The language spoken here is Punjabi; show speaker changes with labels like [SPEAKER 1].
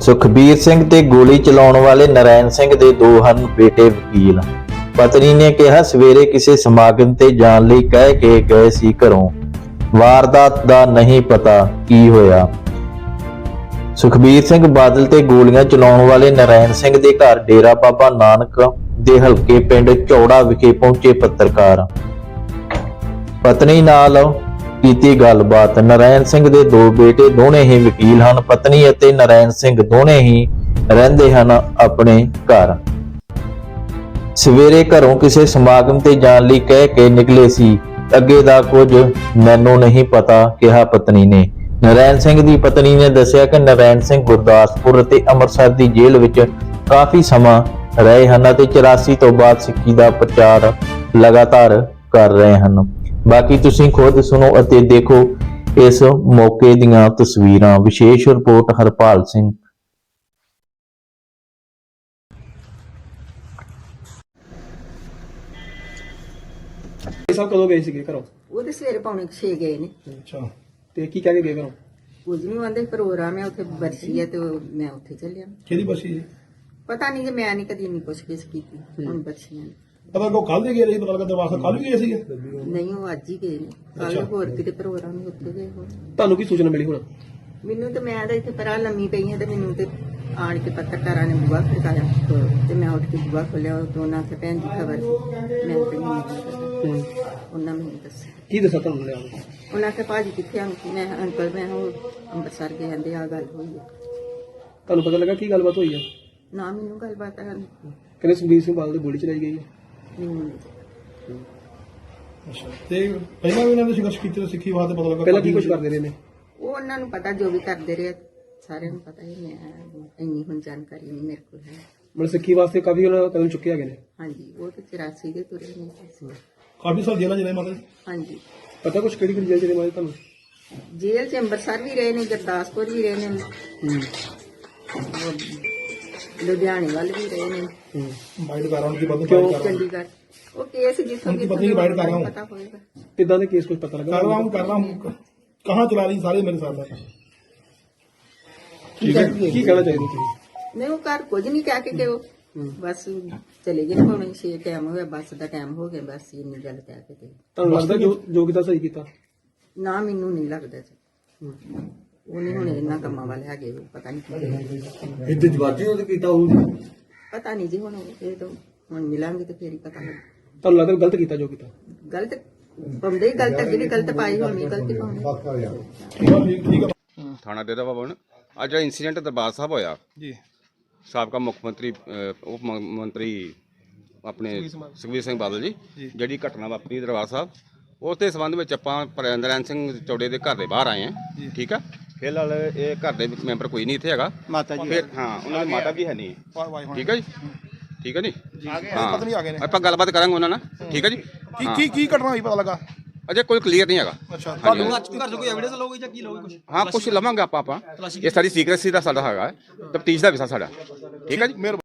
[SPEAKER 1] ਸੁਖਬੀਰ ਸਿੰਘ ਤੇ ਗੋਲੀ ਚਲਾਉਣ ਵਾਲੇ ਨਰੈਣ ਸਿੰਘ ਦੇ ਦੋ ਹਨ ਬੇਟੇ ਵਕੀਲ। ਪਤਨੀ ਨੇ ਕਿਹਾ ਸਵੇਰੇ ਕਿਸੇ ਸਮਾਗਮ ਤੇ ਜਾਣ ਲਈ ਕਹਿ ਕੇ ਗਏ ਸੀ ਘਰੋਂ, ਵਾਰਦਾਤ ਦਾ ਨਹੀਂ ਪਤਾ ਕੀ ਹੋਇਆ। ਸੁਖਬੀਰ ਸਿੰਘ ਬਾਦਲ ਤੇ ਗੋਲੀਆਂ ਚਲਾਉਣ ਵਾਲੇ ਨਰੈਣ ਸਿੰਘ ਦੇ ਘਰ ਡੇਰਾ ਬਾਬਾ ਨਾਨਕ ਦੇ ਹਲਕੇ ਪਿੰਡ ਚੌੜਾ ਵਿਖੇ ਪਹੁੰਚੇ ਪੱਤਰਕਾਰ। ਪਤਨੀ ਨਾਲ ਕੀਤੀ ਗੱਲਬਾਤ। ਨਰੈਣ ਸਿੰਘ ਦੇ ਦੋ ਬੇਟੇ ਦੋਨੇ ਹੀ ਵਕੀਲ ਹਨ। ਪਤਨੀ ਅਤੇ ਨਰੈਣ ਸਿੰਘ ਦੋਨੇ ਹੀ ਰਹਿੰਦੇ ਹਨ ਆਪਣੇ ਘਰ। ਸਵੇਰੇ ਘਰੋਂ ਕਿਸੇ ਸਮਾਗਮ ਤੇ ਜਾਣ ਲਈ ਕਹਿ ਕੇ ਨਿਕਲੇ ਸੀ, ਅੱਗੇ ਦਾ ਕੁਝ ਮੈਨੂੰ ਨਹੀਂ ਪਤਾ, ਕਿਹਾ ਪਤਨੀ ਨੇ। ਨਰੈਣ ਸਿੰਘ ਦੀ ਪਤਨੀ ਨੇ ਦੱਸਿਆ ਕਿ ਨਰੈਣ ਸਿੰਘ ਗੁਰਦਾਸਪੁਰ ਅਤੇ ਅੰਮ੍ਰਿਤਸਰ ਦੀ ਜੇਲ੍ਹ ਵਿੱਚ ਕਾਫੀ ਸਮਾਂ ਰਹੇ ਹਨ ਅਤੇ 84 ਤੋਂ ਬਾਅਦ ਸਿੱਖੀ ਦਾ ਪ੍ਰਚਾਰ ਲਗਾਤਾਰ ਕਰ ਰਹੇ ਹਨ। ਬਾਕੀ ਤੁਸੀਂ ਖੁਦ ਸੁਣੋ ਅਤੇ ਦੇਖੋ ਇਸ ਮੌਕੇ ਦੀਆਂ ਤਸਵੀਰਾਂ। ਵਿਸ਼ੇਸ਼ ਰਿਪੋਰਟ ਹਰਪਾਲ ਸਿੰਘ।
[SPEAKER 2] ਸਭ ਕਦੋਂ ਗਏ ਸੀਗੇ ਘਰੋਂ?
[SPEAKER 3] ਉਹ ਤੇ ਸਵੇਰੇ ਪੌਣੇ 6 ਗਏ ਨੇ।
[SPEAKER 2] ਅੱਛਾ, ਤੇ ਕੀ ਕਹਿ ਕੇ ਗਏ ਘਰੋਂ?
[SPEAKER 3] ਕੁਝ ਨਹੀਂ ਆਂਦੇ, ਪ੍ਰੋਗਰਾਮ ਹੈ ਉੱਥੇ, ਬਰਸੀ ਹੈ ਤੇ ਮੈਂ ਉੱਥੇ ਚੱਲਿਆ।
[SPEAKER 2] ਕਿਹਦੀ ਬਸੀ ਜੀ?
[SPEAKER 3] ਪਤਾ ਨਹੀਂ ਕਿ ਮੈਂ ਨਹੀਂ ਕਦੀ ਨਹੀਂ ਪੁੱਛ-ਗਿੱਛ ਕੀਤੀ। ਹੁਣ ਬਰਸੀਆਂ ਨੇ।
[SPEAKER 2] ਪਤਾ ਕੋ ਕੱਲ ਦੇ ਗਏ ਰਹੀ, ਪਤਾ ਲੱਗਾ ਦਰਵਾਜ਼ਾ ਕੱਲ ਵੀ ਗਏ ਸੀਗੇ।
[SPEAKER 3] ਨਹੀਂ, ਉਹ ਅੱਜ ਹੀ ਗਏ ਨੇ। ਕੱਲ ਹੋਰ ਕਿਤੇ ਪ੍ਰੋਗਰਾਮ ਹੀ ਉੱਥੇ ਗਏ ਹੋਣ।
[SPEAKER 2] ਤੁਹਾਨੂੰ ਕੀ ਸੂਚਨਾ ਮਿਲੀ ਹੁਣ?
[SPEAKER 3] ਮੈਨੂੰ ਤਾਂ ਮੈਂ ਤਾਂ ਇੱਥੇ ਪਰਾਂ ਲੰਮੀ ਪਈ ਹਾਂ ਤੇ ਮੈਨੂੰ ਤੇ ਆਣ ਕੇ ਪੱਤਰਕਾਰਾਂ ਨੇ ਬੂਹਾ ਖੜਕਾਇਆ ਤੇ ਮੈਂ ਉੱਠ ਕੇ ਬੂਹਾ ਖੋਲਿਆ। ਦੋਨਾਂ ਤੇ ਭੈਣ ਦੀ ਖਬਰ ਸੀ। ਮੈਂ ਤੇ ਨਹੀਂ ਪਤਾ। ਉਹਨਾਂ ਮੈਨੂੰ ਦੱਸਿਆ।
[SPEAKER 2] ਕੀ ਦੱਸਿਆ ਤੁਹਾਨੂੰ ਲਿਆ?
[SPEAKER 3] ਉਹਨਾਂ ਕੇ ਭਾਜੀ ਕਿੱਥੇ ਆਂ? ਮੈਂ ਅੰਕਲ ਮੈਂ ਉਹ ਅੰਮ੍ਰਿਤਸਰ ਗਏ ਕਹਿੰਦੇ ਆ ਗੱਲ ਹੋਈ ਹੈ।
[SPEAKER 2] ਤੁਹਾਨੂੰ ਪਤਾ ਲੱਗਾ ਕੀ ਗੱਲਬਾਤ ਹੋਈ ਹੈ?
[SPEAKER 3] ਨਾ ਮੈਨੂੰ ਗੱਲਬਾਤ ਆ
[SPEAKER 2] ਕਹਿੰਦੇ ਸੁਖਬੀਰ ਸਿੰਘ ਬਾਦਲ ਦੀ ਗੋਲੀ ਚਲਾਈ ਗਈ ਹੈ।
[SPEAKER 3] ਨਹੀਂ।
[SPEAKER 2] ਅੱਛਾ, ਤੇ ਪਹਿਲਾਂ ਵੀ ਇਹਨਾਂ ਨੇ ਸੰਘਰਸ਼ ਕੀਤੇ ਸਿੱਖੀ ਵਾਸਤੇ, ਪਤਾ ਲੱਗਾ ਪਹਿਲਾਂ ਕੀ ਕੁਝ ਕਰਦੇ ਰਹੇ ਨੇ?
[SPEAKER 3] ਉਹ ਉਹਨਾਂ ਨੂੰ ਪਤਾ, ਜੋ ਵੀ ਕਰਦੇ ਰਹੇ ਸਾਰਿਆਂ ਨੂੰ ਪਤਾ ਹੀ। ਮੈਂ ਇੰਨੀ ਹੁਣ ਜਾਣਕਾਰੀ ਨਹੀਂ ਮੇਰੇ ਕੋਲ ਹੈ।
[SPEAKER 2] ਮਤਲਬ ਸਿੱਖੀ ਵਾਸਤੇ ਕਾਫੀ ਉਹਨਾਂ ਕਦਮ ਚੁੱਕੇ ਹੈਗੇ ਨੇ।
[SPEAKER 3] ਹਾਂਜੀ, ਉਹ ਤੇ 84 ਦੇ ਤੁਰੇ ਨੇ।
[SPEAKER 2] ਕਾਫੀ ਸਾਲ ਜੇਲ੍ਹਾਂ ਚ ਰਹੇ ਮਾਤਾ ਜੀ?
[SPEAKER 3] ਹਾਂਜੀ।
[SPEAKER 2] ਪਤਾ ਕੁਝ ਕਿਹੜੀ ਕਿਹੜੀ ਜੇਲ੍ਹ ਚ ਰਹੇ ਮਾਤਾ ਤੁਹਾਨੂੰ?
[SPEAKER 3] ਜੇਲ੍ਹ ਚ ਅੰਮ੍ਰਿਤਸਰ ਵੀ ਰਹੇ ਨੇ, ਗੁਰਦਾਸਪੁਰ ਵੀ ਰਹੇ ਨੇ, ਲੁਧਿਆਣੇ ਵੱਲ ਵੀ ਰਹੇ ਨੇ,
[SPEAKER 2] ਬਾਈਟ ਕਰ ਰਹਾ ਹਾਂ ਕਿ ਬੰਦ
[SPEAKER 3] ਕਿਉਂ ਚੰਡੀਗੜ੍ਹ। ਉਹ ਕੇਸ ਜਿੱਥੋਂ
[SPEAKER 2] उनकी पत्नी की बाइट कर रहा हूँ।
[SPEAKER 3] ਪਤਾ ਹੋਏਗਾ।
[SPEAKER 2] कितना ने केस कुछ पता लगा? कर रहा हूँ कहाँ चला रही सारे मेरे साथ है। ठीक है, की कहना चाहिए ਤੁਸੀਂ?
[SPEAKER 3] ਨਹੀਂ, ਉਹ ਘਰ ਕੁਝ ਨਹੀਂ ਕਹਿ ਕੇ ਉਹ ਬਸ ਚਲੇ ਗਏ। ਹੁਣ 6 ਟਾਈਮ ਹੋਇਆ, ਬੱਸ ਦਾ ਟਾਈਮ ਹੋ ਗਿਆ, ਬਸ ਇੰਨੀ ਗੱਲ ਕਹਿ ਕੇ ਤੇ।
[SPEAKER 2] ਤੁਹਾਨੂੰ ਲੱਗਦਾ ਜੋ ਕੀਤਾ ਸਹੀ ਕੀਤਾ?
[SPEAKER 3] ਨਾ, ਮੈਨੂੰ ਨਹੀਂ ਲੱਗਦਾ ਜੀ। ਉਹ ਨਹੀਂ ਹੁਣ ਇਹਨਾਂ ਕੰਮਾਂ ਵਾਲੇ ਹੈਗੇ। ਪਤਾ ਨਹੀਂ
[SPEAKER 2] ਇੱਥੇ ਜਵਾਜੀ ਉਹਦੇ ਕੀਤਾ ਹੋਊ।
[SPEAKER 3] ਪਤਾ ਨਹੀਂ ਜੀ। ਹੁਣ ਇਹ ਤਾਂ ਹੁਣ ਮਿਲਾਂਗੇ ਤੇ ਫੇਰ ਹੀ ਪਤਾ ਲੱਗ।
[SPEAKER 2] ਤੁਹਾਨੂੰ ਲੱਗਦਾ ਗਲਤ ਕੀਤਾ ਜੋ ਕੀਤਾ?
[SPEAKER 3] ਗਲਤ ਬੰਦੇ ਹੀ ਗਲਤ, ਅੱਗੇ ਵੀ ਗਲਤ ਪਾਈ ਹੋਣੀ, ਗਲਤੀ ਪਾਉਣੀ।
[SPEAKER 4] ਥਾਣਾ ਡੇਰਾ ਬਾਬਾ ਨਾਨਕ। ਅੱਜ ਜਿਹੜਾ ਇੰਸੀਡੈਂਟ ਦਰਬਾਰ ਸਾਹਿਬ ਹੋਇਆ
[SPEAKER 2] ਜੀ,
[SPEAKER 4] ਸਾਬਕਾ ਮੁੱਖ ਮੰਤਰੀ ਉਪ ਮੰਤਰੀ ਆਪਣੇ ਸੁਖਬੀਰ ਸਿੰਘ ਬਾਦਲ ਜੀ ਜਿਹੜੀ ਘਟਨਾ ਵਾਪਰੀ ਦਰਬਾਰ ਸਾਹਿਬ, ਉਸ ਦੇ ਸੰਬੰਧ ਵਿੱਚ ਆਪਾਂ ਨਰੈਣ ਸਿੰਘ ਚੌੜੇ ਦੇ ਘਰ ਦੇ ਬਾਹਰ ਆਏ ਹਾਂ। ਠੀਕ ਆ, ਫਿਲਹਾਲ ਇਹ ਘਰ ਦੇ ਮੈਂਬਰ ਕੋਈ ਨਹੀਂ ਇੱਥੇ ਹੈਗਾ। ਮਾਤਾ ਜੀ ਫਿਰ ਹਾਂ, ਉਹਨਾਂ ਦੀ ਮਾਤਾ ਵੀ ਹੈ ਨਹੀਂ। ਠੀਕ ਹੈ ਜੀ, ਠੀਕ ਹੈ ਜੀ। ਹਾਂ,
[SPEAKER 2] ਪਤਨੀ ਆ ਗਏ ਨੇ।
[SPEAKER 4] ਆਪਾਂ ਗੱਲਬਾਤ ਕਰਾਂਗੇ ਉਹਨਾਂ ਨਾਲ। ਠੀਕ ਹੈ ਜੀ।
[SPEAKER 2] ਕੀ ਘਟਨਾ ਹੋਈ ਪਤਾ ਲੱਗਾ?
[SPEAKER 4] ਅਜੇ ਕੋਈ ਕਲੀਅਰ ਨਹੀਂ ਹੈਗਾ।
[SPEAKER 2] ਅੱਛਾ,
[SPEAKER 4] ਤੁਹਾਨੂੰ
[SPEAKER 5] ਘਰ ਤੋਂ ਕੋਈ ਐਵੀਡੈਂਸ ਲਓਗੇ ਜਾਂ ਕੀ ਲਓਗੇ? ਕੁਝ
[SPEAKER 4] ਹਾਂ, ਕੁਝ ਲਵਾਂਗੇ ਆਪਾਂ। ਇਹ ਸਾਡੀ ਸੀਕ੍ਰੇਸੀ ਦਾ ਸਾਡਾ ਹੈਗਾ, ਤਫਤੀਸ਼ ਦਾ ਵਿਸ਼ਾ ਸਾਡਾ। ਠੀਕ ਹੈ ਜੀ।